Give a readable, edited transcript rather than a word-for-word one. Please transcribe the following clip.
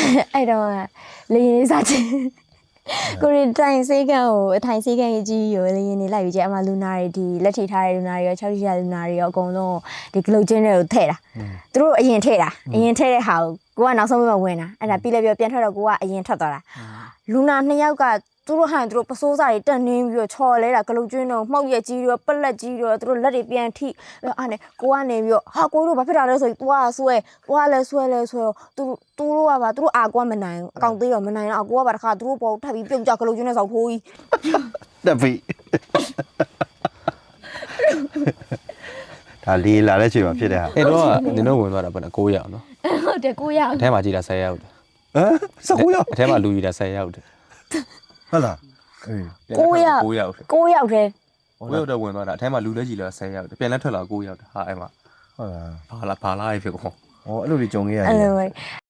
အဲ့တော့လေရင်လေးစားချင်ကိုရီတိုင်စေးကန်ကိုအထိုင်စေးကန်ကြီးကိုလေရင်လေးလိုက်ပြီးကျအမလူနာတွေဒီလက်ထိထားတဲ့လူနာတွေရော6ထိရလူနာတွေရောအကုန်လုံးဒီဂလုတ်ချင်းတွေကိုထည့်တာသူတို့အရင်ထည့်တာအရင်ထည့်တဲ့ဟာကိုကနောက်ဆုံးမှဝင်တာအဲ့ဒါပြီးလည်းပြန်ထွက်တော့ကိုကအရင်ထွက်သွားတာလူနာ2ယောက်ကသူတို့ဟန်သူတို့ပစိုးစားတွေတက်နှင်းပြီးတော့ချော်လဲတာဂလုတ်ကျွန်းတော့မှောက်ရက်ကြီးတော့ပလက်ကြီးတော့သူတို့လက်တွေပြန်ထိအဲ့နဲ့ကိုကနေပြီးတော့ဟာကိုတို့ဘာဖြစ်တာလဲဆိုပြီးသွားဆွဲလဲဆွဲသူတို့ကပါသူတို့အာကွာမနိုင်အကောင်သေးတော့မနိုင်တော့ကိုကပါတခါသူတို့ပေါ်ထပ်ပြီးပြုတ်ကြဂလုတ်ကျွန်းနဲ့ဆောက်ဖိုးကြီးတက်ပြီဒါလေးလာတဲ့ချိန်မှာဖြစ်တဲ့ဟာအဲ့တော့နင်တို့ဝင်သွားတာဘယ်နဲ့9ရောက်နော်ဟုတ်တယ်9ရောက်အထဲမှာကြည်တာ10ရောက်တယ်ဟမ်19ရောက်အထဲမှာလူကြီးတာ10ရောက်တယ်ဟုတ်လားအေး 9ရောက် 9ရောက် 9ရောက်တယ် 9ရောက်တော့ဝင်သွားတာအထဲမှာလူလည်းကြီးလာ10ရောက်တယ်ပြန်လဲထွက်လာ9ရောက်တယ်ဟာအဲ့မှာဟုတ်လားဘာလာဖြစ်ကုန်ဩအဲ့လိုကြီးကြုံခဲ့ရတယ်အဲ့လို